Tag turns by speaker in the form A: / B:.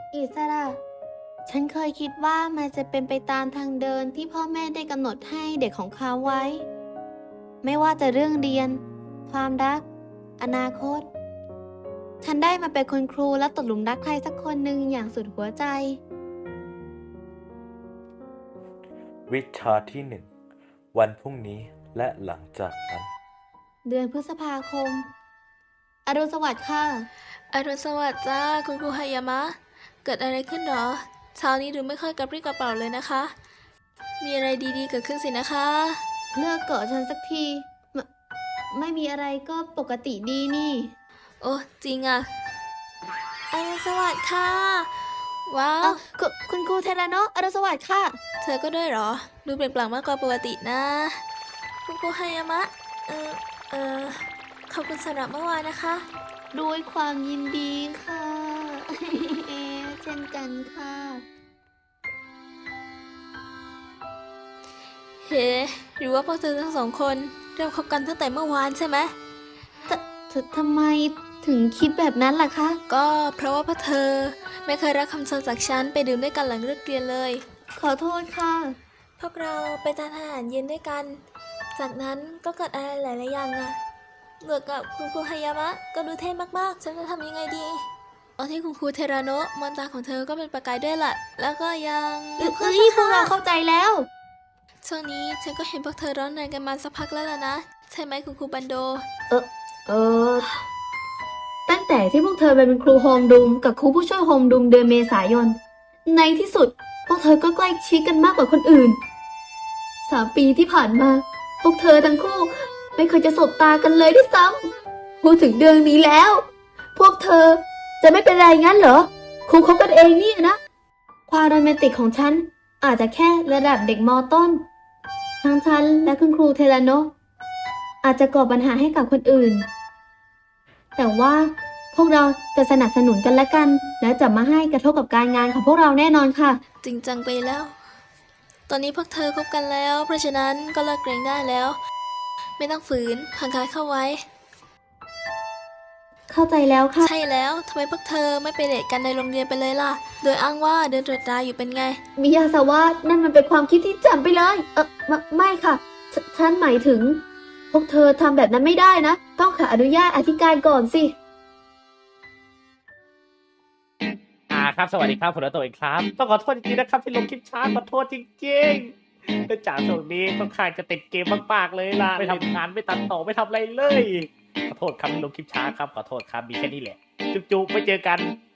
A: อิสระ ฉันเคยคิดว่ามันจะเป็นไปตามทางเดินที่พ่อแม่ได้กำหนดให้เด็กของเขาไว้ ไม่ว่าจะเรื่องเรียน ความรัก อนาคต ฉันได้มาเป็นคุณครูและตกหลุมรักใครสักคนหนึ่งอย่างสุดหัวใจ
B: วิชาที่ 1 วันพรุ่งนี้และหลังจากนั้น
A: เดือนพฤษภาคม อรุณสวัสดิ์ค่ะ
C: อรุณสวัสดิ์จ้าคุณครูฮายามะ เกิดอะไรขึ้นหรอเช้านี้ดูไม่ค่อยกระปรี้กระเป๋าเลยนะคะ มีอะไรดีๆเกิดขึ้นสินะคะ
A: เลิกเกาะฉันสักทีไม่มีอะไรก็ปกติดีนี่
C: โอ้จริงอะอรุณสวัสดิ์ค่ะ ว้าว
A: คุณครูเทราโนะอรุณสวัสดิ์ค่ะ
C: เธอก็ด้วยเหรอ ดูเปล่งปลั่งมากกว่าปกตินะ คุณครูฮายามะ ขอบคุณสำหรับเมื่อวานนะคะ
A: ด้วยความยินดีค่ะ เช่นกันค่ะ
C: เฮ้หรือว่าพวกเธอทั้งสองคนเริ่มคบกันตั้งแต่เมื่อวานใช่ไหม
A: ทำไมถึงคิดแบบนั้นล่ะคะ
C: ก็เพราะว่าพวกเธอไม่เคยรับคำชวนจากฉันไปดื่มด้วยกันหลังเลิกเรียนเลย
A: ขอโทษค่ะ
C: พวกเราไปทานอาหารเย็นด้วยกัน จากนั้นก็เกิดอะไรหลายๆอย่างอะเหมือนกับคุณครูฮายามะก็ดูเท่มากๆ ฉันจะทำยังไงดีตอนที่คุณครูเทราโนะมองตาของเธอก็เป็นประกายด้วยล่ะ แล้วก็ยัง
A: เอ้ยพวกเราเข้าใจแล้ว
C: ช่วงนี้ฉันก็เห็นพวกเธอร้อนแรงกันมาสักพักแล้วล่ะนะ ใช่ไหมคุณครูบันโด
A: ตั้งแต่ที่พวกเธอเป็นครูโฮมดูมกับครูผู้ช่วยโฮมดูมเดือนเมษายน ในที่สุด พวกเธอก็ใกล้ชิดกันมากกว่าคนอื่น 3 ปีที่ผ่านมา พวกเธอทั้งคู่ไม่เคยจะสบตากันเลยด้วยซ้ำพูดถึงเรื่องนี้แล้ว พวกเธอจะไม่เป็นไรงั้นเหรอ ครูคบกันเองเนี่ยนะ ความโรแมนติกของฉันอาจจะแค่ระดับเด็กม.ต้น ทั้งฉันและคุณครูเทราโนะอาจจะก่อปัญหาให้กับคนอื่น แต่ว่าพวกเราจะสนับสนุนกันและกัน และจะมาให้กระทบกับการงานของพวกเราแน่นอนค่ะ
C: จริงจังไปแล้ว ตอนนี้พวกเธอคบกันแล้ว เพราะฉะนั้นก็เลิกเกรงได้แล้ว ไม่ต้องฝืนห่างกายเข้าไว้
A: เข้าใจแล้วค่ะ
C: ใช่แล้วทำไมพวกเธอไม่ไปเดทกันในโรงเรียนไปเลยล่ะ โดยอ้างว่าเดินตรวจตราอยู่เป็นไง
A: มิยาสาวะนั่นมันเป็นความคิดที่แจ่มไปเลย ไม่ค่ะฉันหมายถึง พวกเธอทำแบบนั้นไม่ได้นะ ต้องขออนุญาตอธิการก่อนสิ
D: ครับสวัสดีครับผมรัตโตอีกครับต้องขอโทษจริงๆนะครับที่ลงคลิปช้าขอโทษจริงๆแต่จากตรงนี้ค่อนข้างจะติดเกมมากๆเลยล่ะไม่ทำงานไม่ตัดต่อไม่ทำอะไรเลยขอโทษครับที่ลงคลิปช้าครับขอโทษครับมีแค่นี้แหละจุ๊บๆไม่เจอกัน